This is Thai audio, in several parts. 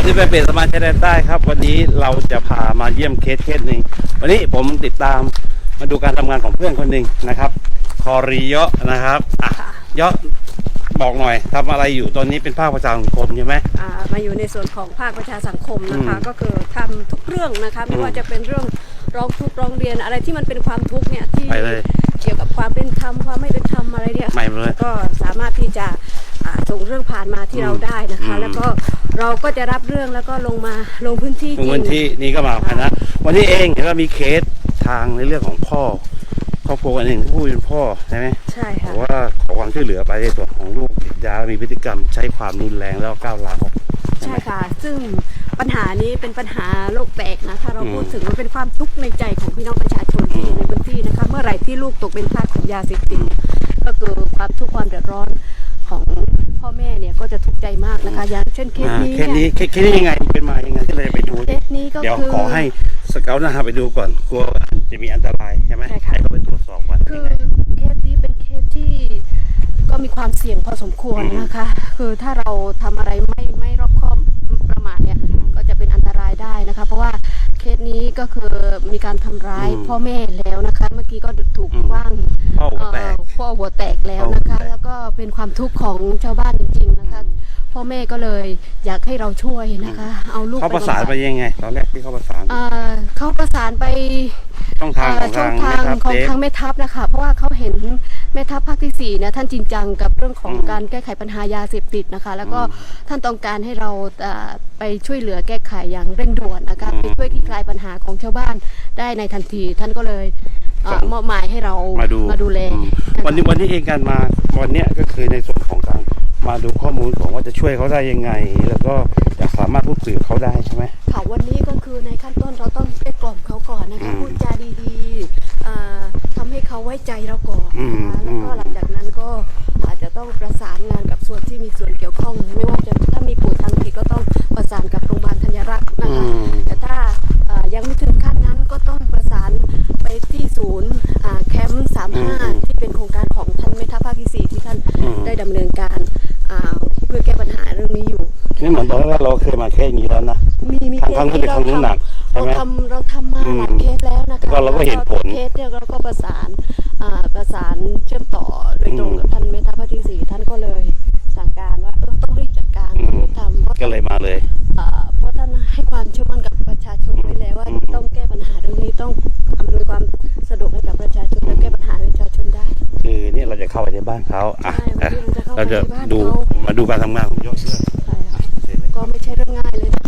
ที่ไปเป็นสมาชิกได้ครับวันนี้เราจะพามาเยี่ยมเคสหนึ่งวันนี้ผมติดตามมาดูการทำงานของเพื่อนคนหนึ่งนะครับคอริเยาะนะครับเยาะบอกหน่อยทำอะไรอยู่ตอนนี้เป็นภาคประชาสังคมใช่ไหมมาอยู่ในส่วนของภาคประชาสังคมนะคะก็คือทำทุกเรื่องนะคะไม่ว่าจะเป็นเรื่องร้องทุกข์ร้องเรียนอะไรที่มันเป็นความทุกข์เนี่ยที่เกี่ยวกับความเป็นธรรมความไม่เป็นธรรมอะไรเนี่ยก็สามารถที่จะส่งเรื่องผ่านมาที่เราได้นะคะแล้วก็เราก็จะรับเรื่องแล้วก็ลงพื้นที่จริงพื้นที่นี่ก็มานะวันนี้เองเห็นว่ามีเคสทางในเรื่องของพ่อครอบครัวอันหนึ่งผู้เป็นพ่อใช่ไหมใช่ค่ะว่าขอความช่วยเหลือไปในส่วนของลูกติดยามีพฤติกรรมใช้ความรุนแรงแล้วก้าวร้าวใช่ค่ะซึ่งปัญหานี้เป็นปัญหาโลกแตกนะถ้าเราพูดถึงมันเป็นความทุกข์ในใจของพี่น้องประชาชนที่อยู่ในพื้นที่นะคะเมื่อไหร่ที่ลูกตกเป็นทาสของยาเสพติดก็คือความทุกข์ความเดือดร้อนของพ่อแม่เนี่ยก็จะทุกข์ใจมากนะคะอย่างเช่นเคสนี้ยังไงเป็นมายังไงที่เราไปดูเคสนี้ก็คือเดี๋ยวขอให้สเกลนะครับไปดูก่อนกลัวจะมีอันตรายใช่ไหมให้เราไปตรวจสอบว่าคือเคสนี้เป็นเคสที่ก็มีความเสี่ยงพอสมควรนะคะคือถ้าเราทำอะไรไม่รอบคอบประมาทเนี่ยก็จะเป็นอันตรายได้นะคะเพราะว่าเคสนี้ก็คือมีการทำร้ายพ่อแม่แล้วนะคะเมื่อกี้ก็ถูกคว้างพ่อหัวแตกแล้วนะคะแล้วก็เป็นความทุกข์ของชาวบ้านจริงๆนะคะพ่อแม่ก็เลยอยากให้เราช่วยนะคะเอาลูกเขาประสานไปยังไงตอนแรกที่เขาประสานเขาประสานไปช่องทางของทางแม่ทัพนะคะเพราะว่าเขาเห็นแม่ทัพภาคที่4เนี่ยท่านจริงจังกับเรื่องของการแก้ไขปัญหายาเสพติดนะคะแล้วก็ท่านต้องการให้เราไปช่วยเหลือแก้ไขอย่างเร่งด่วนนะคะไปช่วยคลี่คลายปัญหาของชาวบ้านได้ในทันทีท่านก็เลยมอบหมายให้เรามาดูแลวันนี้เองการมาวันนี้ก็คือในส่วนของการมาดูข้อมูลของว่าจะช่วยเขาได้ยังไงแล้วก็จะสามารถพูดคุยกับเขาได้ใช่ไหมค่ะวันนี้ก็คือในขั้นต้นเราต้องไปกล่อมเขาก่อนนะคะพูดจาดีๆทำให้เขาไว้ใจเราก่อนแล้วก็หลังจากนั้นก็อาจจะต้องประสานงานกับส่วนที่มีส่วนเกี่ยวข้องไม่ว่าจะถ้ามีป่วยทางจิตก็ต้องประสานกับโรงพยาบาลธัญรักษ์นะคะแต่ถ้ายังไม่ถึงขั้นนั้นก็ต้องประสานไปที่ศูนย์แคมป์35ที่เป็นโครงการของท่านแม่ทัพภาคที่4ที่ท่านได้ดำเนินการเพื่อแก้ปัญหาเรื่องนี้อยู่นี่เหมือนตอนแรกเราเคยมาแค่นี้แล้วนะมีเคสที่เราทำมาหลายเคสแล้วนะคะเราก็เห็นผลเคสเนี่ยเราก็ประสานเชื่อมต่อโดยตรงกับท่านแม่ทัพภาคที่4ท่านก็เลยสั่งการว่าต้องรีบจัดการทำก็เลยมาเลยเพราะท่านให้ความเชื่อมั่นกับประชาชนไว้แล้วว่าต้องแก้ปัญหาเรื่องนี้ต้องอำนวยความสะดวกให้กับประชาชนและแก้ปัญหาให้ประชาชนได้คือเนี่ยเราจะเข้าไปในบ้านเขาเราจะมาดูการทำงานของยอดเชื่อก็ไม่ใช่เรื่องง่ายเลย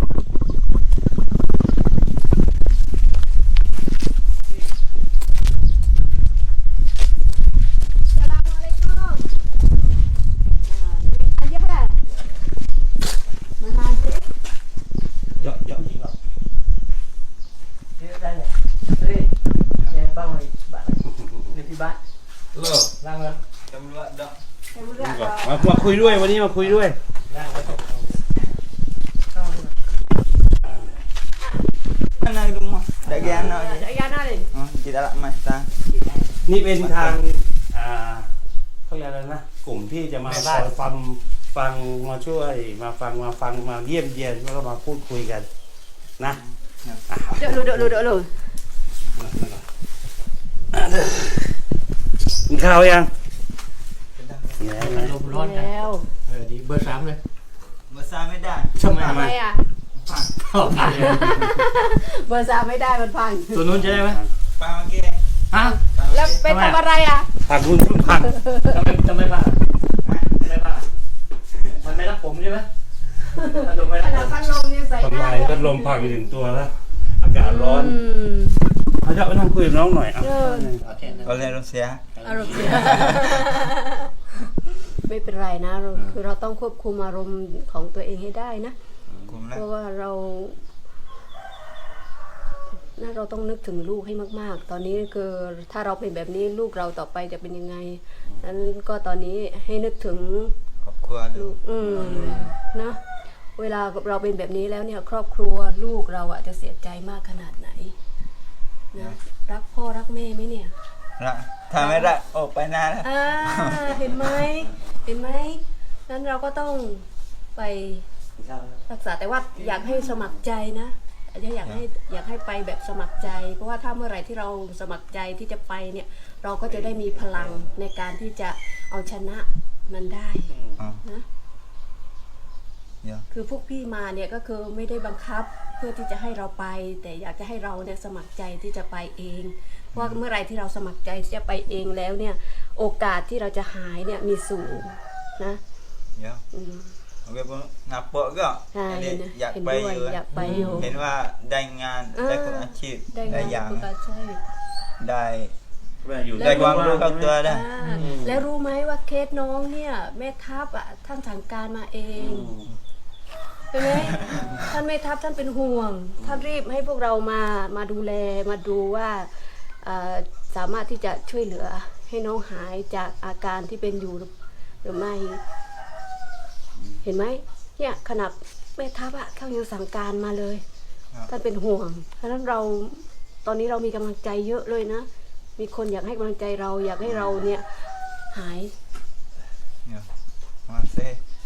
มาคุยด้วยวันนี้มาคุยด้วยนี่เป็นทางเขาเรียกอะไรนะกลุ่มที่จะมาฟังมาช่วยมาฟังมาเยี่ยมเยียนแล้วก็มาพูดคุยกันนะเดี๋ยวกินข้าวยังร้อนแล้วดีเบอร์3เลยเบอร์3ไม่ได้ทำไมอ่ะเบอร์3ไม่ได้มันพังตัวนู้นใช่ไหมพังเมื่อกี้แล้วเป็นทำอะไรอ่ะพังคุณพังทำไมพังมันไม่รักผมใช่ไหมพัดลมเนี่ยใส่หน้าพัดลมพังอยู่ถึงตัวแล้วอากาศร้อนเขาจะไปนั่งคุยกับน้องหน่อยเอาเรียนรู้เสียไม่เป็นไรนะคือเราต้องควบคุมอารมณ์ของตัวเองให้ได้นะเพราะว่าเราต้องนึกถึงลูกให้มากๆตอนนี้คือถ้าเราเป็นแบบนี้ลูกเราต่อไปจะเป็นยังไงนั้นก็ตอนนี้ให้นึกถึงครอบครัวลูกนะเวลาเราเป็นแบบนี้แล้วเนี่ยครอบครัวลูกเราจะเสียใจมากขนาดไหนนะรักพ่อรักแม่ไหมเนี่ยถ้าไม่รักออกไปนานแล้วเห็นไหมนั้นเราก็ต้องไปทราบรักษาแต่ว่าอยากให้สมัครใจนะอยากให้ไปแบบสมัครใจ เพราะว่าถ้าเมื่อไหร่ที่เราสมัครใจที่จะไปเนี่ยเราก็จะได้มีพลังในการที่จะเอาชนะมันได้อ๋อนะเดี๋ยวคือพวกพี่มาเนี่ยก็คือไม่ได้บังคับเพื่อที่จะให้เราไป แต่อยากจะให้เราเนี่ยสมัครใจที่จะไปเอง เพราะว่าเมื่อไหร่ที่เราสมัครใจที่จะไปเองแล้วเนี่ยโอกาสที่เราจะหายเนี่ยมีสูงนะเดี๋ยวอืมโอเคผมนับโปะก็ใช่อันนี้นะอยากเห็นไปด้วยอยู่อยากไปอยู่เห็นว่าได้งานได้ฝึกอาชีพได้ได้งานอย่างฝึกอาชีพได้อยู่ได้ความรู้เข้าตัวได้อ่าแล้วรู้ไหมว่าเคสน้องเนี่ยแม่ทัพอ่ะท่านสั่งการมาเองใช่ไหมท่านแม่ทัพท่านเป็นห่วง ท่านรีบให้พวกเรามาดูแลมาดูว่าสามารถที่จะช่วยเหลือให้น้องหายจากอาการที่เป็นอยู่หรือไม่ เห็นไหมเนี่ยขนาดแม่ทัพอะเขายังสั่งการมาเลยครับท่านเป็นห่วงเพราะฉะนั้นเราตอนนี้เรามีกำลังใจเยอะเลยนะ มีคนอยากให้กำลังใจเราอยากให้เราเนี่ยหายเดี๋ยวมาเซ่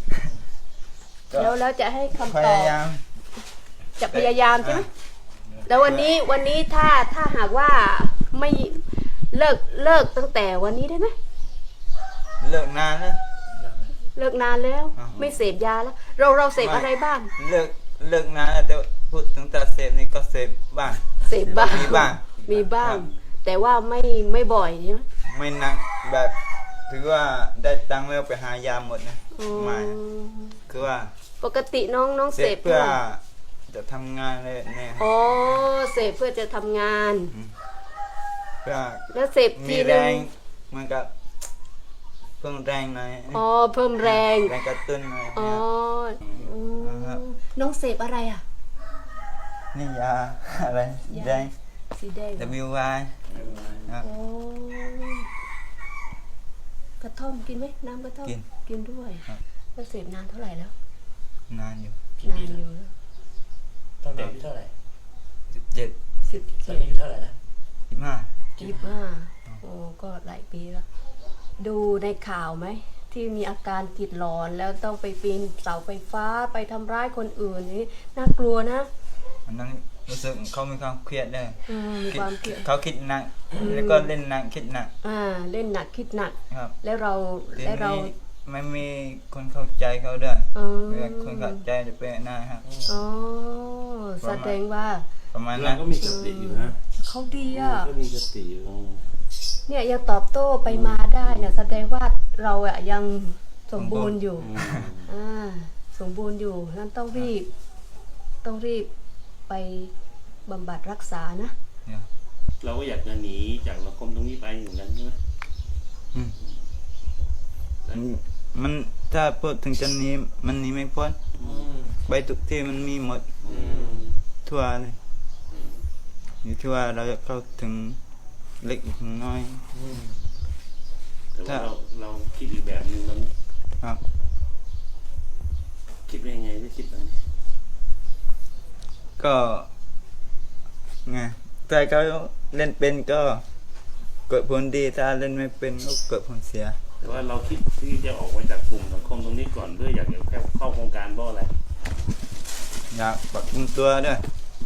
แล้วจะให้คำพตอบยายามจะพยายามใช่ไหมแล้ววันนี้ถ้าหากว่าไม่เลิกตั้งแต่วันนี้ได้ไหมเลิกนานแล้วเลิกนานแล้วอ่าไม่เสพยาแล้ว เราเสพอะไรบ้างเลิกนานแล้วแต่พูดถึงแต่เสพนี่ก็เสพบ้างเสพบ้างมีบ้างมีบ้างครับแต่ว่าไม่บ่อยใช่ไหมไม่หนักแบบถือว่าได้ตังค์แล้วไปหายาหมดนะอ๋อไม่คือว่าปกติน้องเสเสพพเพื่อท่าไหร่จะทำงานเลยเนี่ยอ๋อเสพเพื่อจะทำงานเพื่อแล้วเสพมีทีแรนึงงเหมันกับเพิ่มแรงหน่อยอ๋อเพิ่มแรงแรงกระตุ้นหน่อยอ๋ออืมครับน้องเสพอะไรอ่ะนี่ยาอะไรยาแดงสีแดงเหรอ WY ครับโอ้กระท่อมกินไหมน้ำกระท่อมกินกินด้วยครับแล้วเสพนานเท่าไหร่แล้วนานอยู่กี่นานปีอยู่แล้วตอนเด็กอายุเท่าไหร่ 17 สิบตอนนี้อายุเท่าไหร่นะ 15 25โอ้ก็หลายปีแล้ว ดูในข่าวไหม ที่มีอาการจิตหลอนแล้วต้องไปปีนเสาไฟฟ้าไปทำร้ายคนอื่นนี่น่ากลัวนะอันนั้นรู้สึกเขามีความเครียดด้วยมีความเครียดเขาคิดหนักแล้วก็เล่นหนักคิดหนักเล่นหนักคิดหนักครับแล้วเราทีแล้วเรานี้ไม่มีคนเข้าใจเขาด้วยอืมเวลาคนเข้าใจจะเป็นหน้าครับอ๋อแสดงว่าประมาณเรานั้นก็มีสติอยู่นะเขาดีอ่ะก็มีสติอยู่เนี่ยยังตอบโต้ไปมาได้เนี่ยแสดงว่าเราอะยังสมบูรณ์อยู่ สมบูรณ์อยู่นั่นต้องรีบไปบำบัดรักษานะเนี่ยเราก็อยากจะหนีจากสังคมตรงนี้ไปอย่างนั้นใช่ไหมอืมมันถ้าพูดถึงจะหนี้มันหนี้ไม่พ้นไปทุกที่มันมีหมดทั่วเลยอยู่ที่ว่าเราจะเข้าถึงเล็กถึงน้อยแต่ว่าเราคิดอีกแบบหนึงตอนนี้ครับคิดว่ายังไงที่คิดแบบนี้ก็ไงถ้าเขาเล่นเป็นก็เกิดผลดีถ้าเล่นไม่เป็นก็เกิดผลเสียแต่ว่าเราคิดที่จะออกมาจากกลุ่มสังคมตรงนี้ก่อนเพื่ออยากจะเข้าโครงการเพราะอะไรอยากปรับปรุงตัวด้วย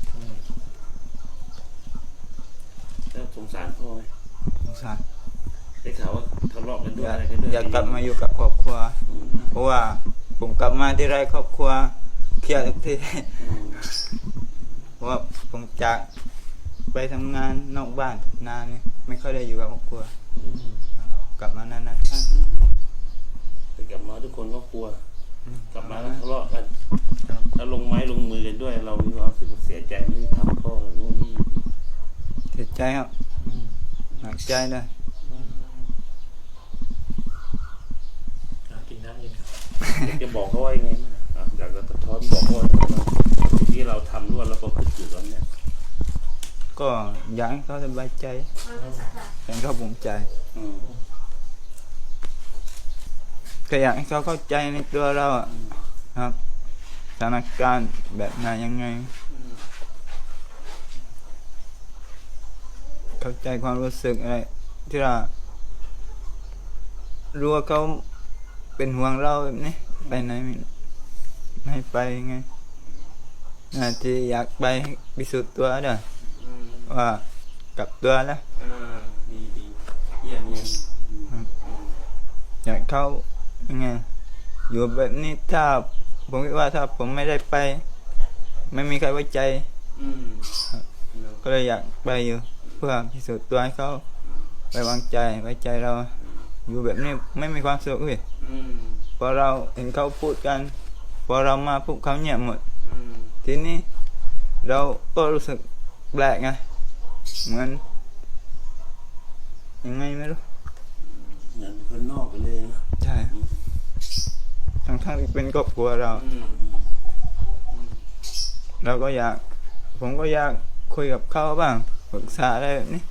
แล้วสงสารพ่อไหมสงสารได้ข่าวว่าทะเลาะกันด้วยอยากอะไรกันด้วยอยากกลับมาอยู่กับครอบครัว เพราะว่าผมกลับมาที่ไรครอบครัวเครียดทุกที เพราะว่าผมจากไปทำงานนอกบ้านนานเนี่ยไม่ค่อยได้อยู่กับครอบครัว กลับมานานๆครั้งแต่กลับมาทุกคนก็กลัว กลับมาแล้วทะเลาะกันครับแล้วลงไม้ลงมือกันด้วย เรามีความรู้สึกเสียใจไม่ได้ทำพ่อนู่นนี่เสียใจครับหนักใจเลยกินน้ำเย็นอยากจะบอกเขาว่ายังไงบ้างอยากจะสะท้อนบอกเขาว่าสิ่งที่เราทำร่วมแล้วก็คือจุดตอนเนี้ยก็อยากให้เขาสบายใจให้เขาภูมิใจอืมก็อยากให้เขาเข้าใจในตัวเราอะครับสถานการณ์แบบไหนยังไง เข้าใจความรู้สึกอะไรที่เรารู้ว่าเขาเป็นห่วงเราแบบนี้ไปไหนไม่ให้ให้ไปไงที่อยากไปพิสูจน์ตัวด้วยว่ากลับตัวแล้วดีเยี่ยมอยากเข้ายังไงอยู่แบบนี้ถ้าผมคิดว่าถ้าผมไม่ได้ไป ไม่มีใครไว้ใจ ก็เลยอยากไปอยู่เพื่อพิสูจน์ตัวให้เขาไว้วางใจไว้ใจเรา อยู่แบบนี้ไม่มีความสุขเลยพอเราเห็นเขาพูดกันพอเรามาพูดเขาเงียบหมดทีนี้เราก็รู้สึกแปลกไงเหมือนยังไงไม่รู้เหมือนคนนอกไปเลยนะใช่ทั้งที่เป็นครอบครัวเรา เราก็อยากผมก็อยากคุยกับเขาบ้างปรึกษาอะไรแบบนี้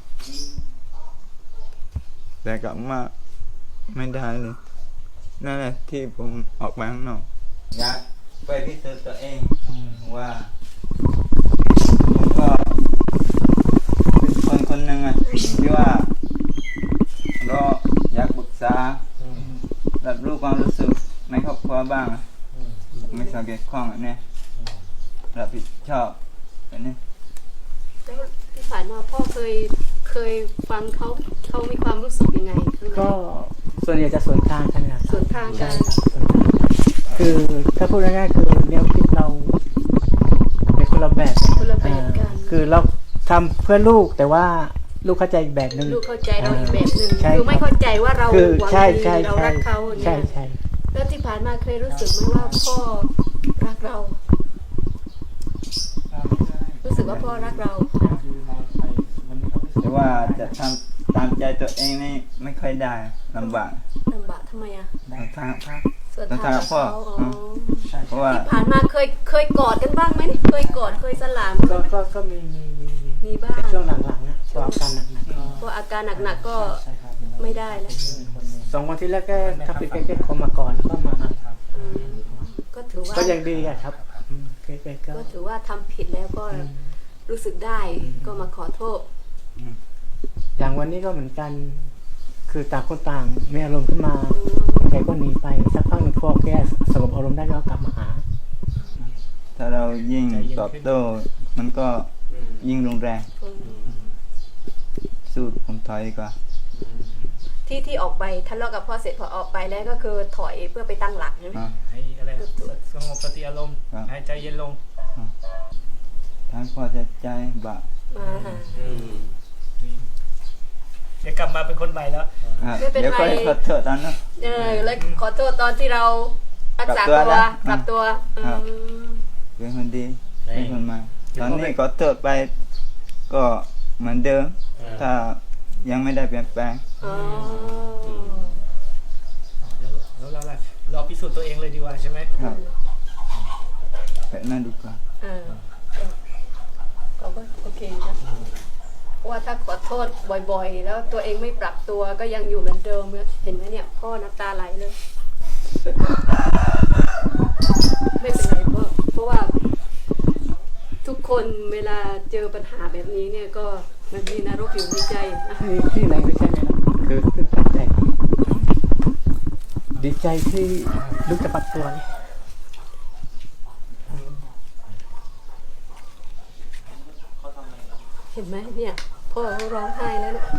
แต่กลับมาไม่ได้เลยนั่นแหละที่ผมออกไปข้างนอกอยากไปพิสูจน์ตัวเองว่าผมก็เป็นคนหนึ่งอะที่ว่าเราอยากปรึกษารับรู้ความรู้สึกในครอบครัวบ้างอะไม่สังเกตข้องอันนี้รับผิดชอบแบบนี้แล้วที่ผ่านมาพ่อเคยฟังเขามีความรู้สึกยังไงข้างในก็ส่วนใหญ่จะสวนทางกันนะครับสวนทางกันใช่ครับสวนทางคือถ้าพูดง่ายๆคือแนวคิดเราเป็นคนละแบบคนละแบบกันคือเราทำเพื่อลูกแต่ว่าลูกเข้าใจอีกแบบหนึ่งลูกเข้าใจเราอีกแบบหนึ่งใช่คือไม่เข้าใจว่าเราคือหวังใช่ดีใช่เราใช่รักเขาอย่างใช่เงี้ยใช่แล้วที่ผ่านมาเคยรู้สึกไหมว่าพ่อรักเรา รู้สึกว่าพ่อรักเราแต่ว่าจะทำตามใจตัวเองนี่ไม่ค่อยได้ลำบากลำบากทำไมอ่ะทางภาคส่วนต้องทางทางพ่อเขาอืม เพราะว่าที่ผ่านมาเคยกอดกันบ้างไหมเคยกอดเคยสลามก็มีมีบ้างแต่ช่วงหลังๆนะช่วงอาการหนักๆก็เพราะอาการหนักๆก็ใช่ครับไม่ได้แล้ว 2 วันที่แรกก็ทับปิดแก้ๆคอมาก่อนแล้วก็มาอืมก็ถือว่าก็ยังดีอะครับแก้ๆก็ก็ถือว่าทำผิดแล้วก็รู้สึกได้ก็มาขอโทษอย่างวันนี้ก็เหมือนกัน คือต่างคนต่างมีอารมณ์ขึ้นมาแกก็หนีไปสักพักหนึ่งพอแกสงบอารมณ์ได้ก็กลับมาหาถ้าเรายิ่งตอบโต้มันก็ยิ่งรุนแรงสู้ผมถอยดีกว่าที่ออกไปทะเลาะกับพ่อเสร็จพอออกไปแล้วก็คือถอยเพื่อไปตั้งหลักใช่ไหมอ่ะให้อะไรสงบสติอารมณ์ครับให้ใจเย็นลงทั้งพอใจบะมาหาเดี๋ยวกลับมาเป็นคนใหม่แล้วอ่ะไม่เป็นไรเดี๋ยวก็ขอโทษตอนนั้นแล้วขอโทษตอนที่เรารักษากลับตัวตัวนะกลับตัวครับอืมเป็นคนดีเป็นคนมาตอนนี้ขอโทษไปก็เหมือนเดิม ถ้ายังไม่ได้เปลี่ยนแปลงอ๋อแล้วเราล่ะรอพิสูจน์ตัวเองเลยดีกว่าใช่ไหมครับแบบนั้นดีกว่าเราก็โอเคนะเพราะว่าถ้าขอโทษบ่อยๆ แล้วตัวเองไม่ปรับตัวก็ยังอยู่เหมือนเดิมเห็นไหมเนี่ยพ่อน้ำตาไหลเลย ไม่เป็นไรพ่อเพราะว่า ทุกคนเวลาเจอปัญหาแบบนี้เนี่ยก็มันมีนรกอยู่ในใจนะที่ไหนไม่ใช่ไหมนะคือตื่นใจดีใจที่ลูกจะปรับตัวเลยเห็นไหมเนี่ยพ่อเขาร้องไห้แล้วเนี่ย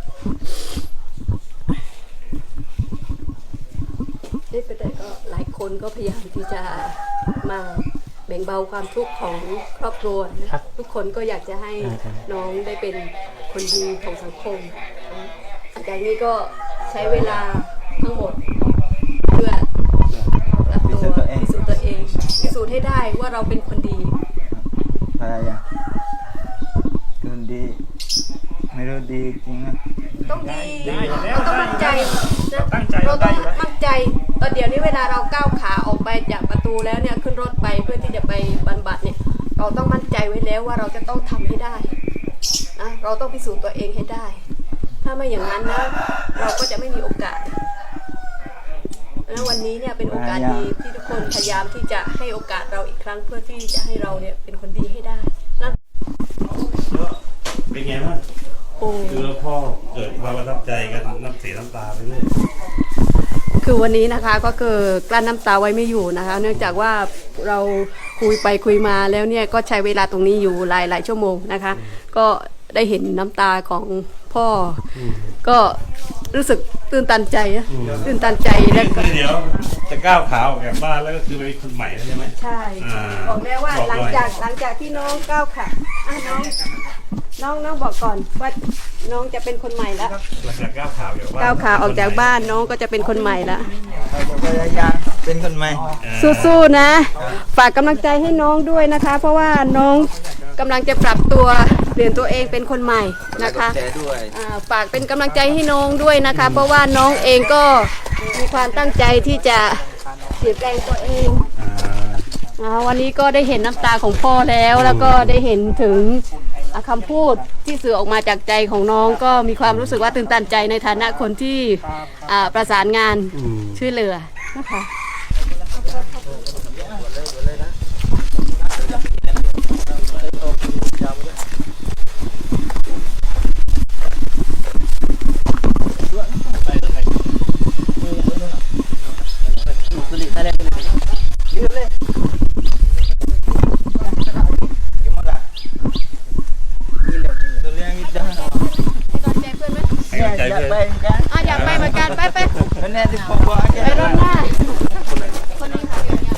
นี่ไปแต่ก็หลายคนก็พยายามที่จะมาแบ่งเบาความทุกข์ของครอบครัวนะทุกคนก็อยากจะให้น้องได้เป็นคนดีของสังคมหลังจากนี้ก็ใช้เวลาทั้งหมดเพื่อปรับตัวพิสูจน์ตัวเองพิสูจน์ให้ได้ว่าเราเป็นคนดีพยายามคนดี ไม่รู้ดีจริงนะต้องดีได้อยู่แล้วเราต้องมั่นใจนะตั้งใจเราได้ต้องอยู่แล้วมั่นใจตอนเดี๋ยวนี้เวลาเราก้าวขาออกไปจากประตูแล้วเนี่ยขึ้นรถไปเพื่อที่จะไปบรรบัดเนี่ยเราต้องมั่นใจไว้แล้วว่าเราจะต้องทำให้ได้นะเราต้องพิสูจน์ตัวเองให้ได้ ถ้าไม่อย่างนั้นนะเราก็จะไม่มีโอกาสนะวันนี้เนี่ยเป็นโอกาสดีที่ทุกคนพยายามที่จะให้โอกาสเราอีกครั้งเพื่อที่จะให้เราเนี่ยเป็นคนดีให้ได้นะเป็นไงบ้างโอ้คือแล้วพ่อเกิดความประทับใจกันน้ำเสียน้ำตาไปเรื่อยคือวันนี้นะคะก็คือกลั้นน้ำตาไว้ไม่อยู่นะคะ เนื่องจากว่าเราคุยไปคุยมาแล้วเนี่ยก็ใช้เวลาตรงนี้อยู่หลายชั่วโมงนะคะ ก็ได้เห็นน้ำตาของพ่ออก็รู้สึกตื่นตันใจอะตื่นตันใจแล้วก็เดี๋ยวจะก้าวขาออกจากบ้านแล้วก็คือไปเป็นคนใหม่แล้วใช่ไหมใช่อ่าบอกแล้วว่าบอกหลังเลยจากที่น้องก้าวขาน้องบอกก่อนว่าน้องจะเป็นคนใหม่แล้วหลังจากก้าวขาออกจากบ้านก้าวขาออกจากบ้านน้องก็จะเป็นคนใหม่แล้วเราจะพยายามเป็นคนใหม่สู้ๆนะ ฝากกำลังใจให้น้องด้วยนะคะ เพราะว่าน้องกำลังจะปรับตัวเปลี่ยนตัวเองเป็นคนใหม่นะคะแชร์ด้วยฝากเป็นกำลังใจให้น้องด้วยนะคะ เพราะว่าน้องเองก็มีความตั้งใจที่จะเปลี่ยนแปลงตัวเองวันนี้ก็ได้เห็นน้ำตาของพ่อแล้วก็ได้เห็นถึงคำพูดที่สื่อออกมาจากใจของน้องก็มีความรู้สึกว่าตื่นตันใจในฐานะคนที่ประสานงานช่วยเหลือนะคะตัวเลี้ยงวิดาให้กำลังใจเพื่อนไหมให้กำลังใจอยากเพื่อนไปเหมือนกันอยากไปเหมือนกันไปวันนี้ที่ผมบอกจะไปรอบหน้าคนนี้ค่ะ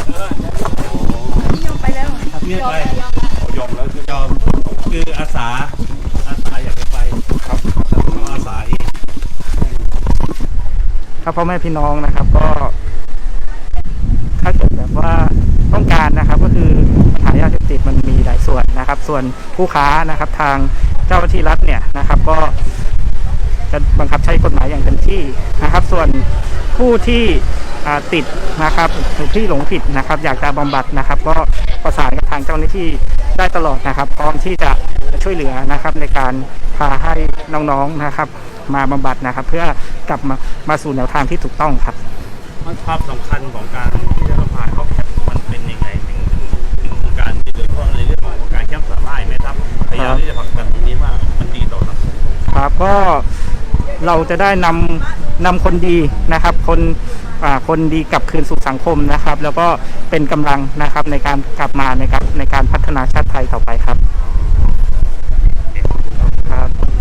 ยอมไปแล้วเนี่ยไปยอมแล้วคือยอมคืออาสาอยากจะไปครับอาสาเองครับพ่อแม่พี่น้องนะครับก็ถ้าเกิดแบบว่าต้องการนะครับก็คือปัญหายาเสพติดมันมีหลายส่วนนะครับ ส่วนผู้ค้านะครับทางเจ้าหน้าที่รัฐเนี่ยนะครับก็จะบังคับใช้กฎหมายอย่างเต็มที่นะครับ ส่วนผู้ที่ติดนะครับหรือที่หลงผิดนะครับอยากจะบำบัดนะครับก็ประสานกับทางเจ้าหน้าที่ได้ตลอดนะครับพร้อมที่จะช่วยเหลือนะครับในการพาให้น้องๆนะครับมาบำบัดนะครับเพื่อกลับมาสู่แนวทางที่ถูกต้องครับภาพสำคัญของการที่จะพาเข้าแคมป์มันเป็นยังไงถึงการที่โดยเฉพาะในเรื่องของการแคมป์สาหร่ายไหมครับพยายามที่จะผลักดันตรงนี้ว่ามันดีต่อสังคมครับก็เราจะได้นำคนดีนะครับคนดีกลับคืนสู่สังคมนะครับ แล้วก็เป็นกำลังนะครับในการกลับมาในการพัฒนาชาติไทยต่อไปครับครับ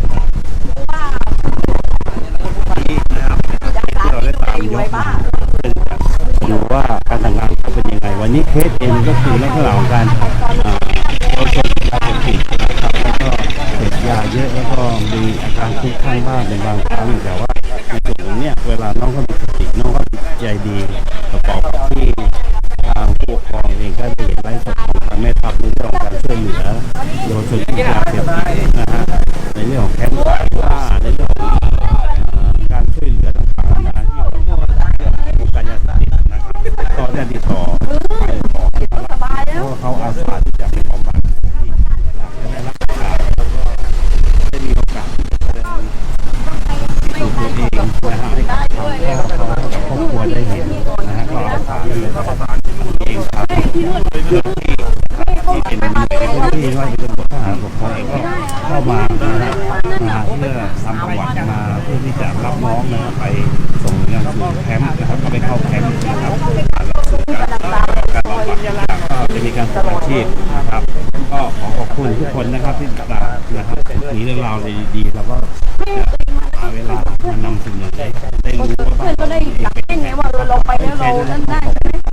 ที่เราได้ตามยกมาดูว่าการทำงานเขาเป็นยังไงวันนี้เคสเองก็คือลักษณะของการเยาวชนยาเสพติดนะครับแล้วก็เสพยาเยอะแล้วก็มีอาการคลุ้มคลั่งบ้างเป็นบางครั้งแต่ว่าในจุดตรงนี้เวลาน้องเขามีสติน้องเขาใจดีประกอบกับที่ทางผู้ปกครองเองก็ได้เห็นไลฟ์สดของทางแม่ทัพในเรื่องของการช่วยเหลือเยาวชนที่ยาเสพติดนะฮะในเรื่องของแคมป์สายล่าในเรื่องของการช่วยเหลือต่างๆนานาที่วงการยาเสพติดนะครับก็ได้ติดต่อไปขอให้เขารับเพราะว่าเขาอาสาที่จะไปบำบัดที่อยากจะได้รับโอกาสแล้วก็ได้มีโอกาสแสดงตัวเองนะฮะให้กับทางพ่อเขากับครอบครัวได้เห็นนะฮะก็อาสาที่จะเองครับที่เป็นที่ว่าจะเป็นบททหารปกครองเองก็เข้ามานะฮะมาเพื่อทำประวัติมาเพื่อที่จะรับน้องนะครับไปส่งยังสู่แคมป์นะครับก็ไปเข้าแคมป์นะครับหลักสูตรการบำบัดก็จะมีการฝึกอาชีพนะครับก็ขอบคุณทุกคนนะครับที่ติดตามนะครับมีเรื่องราวดีๆแล้วก็หาเวลามานำเสนอได้รู้ว่าเพื่อนก็ได้อยากเล่นไงว่าเราไปแล้วเรานั่นได้ใช่ไหม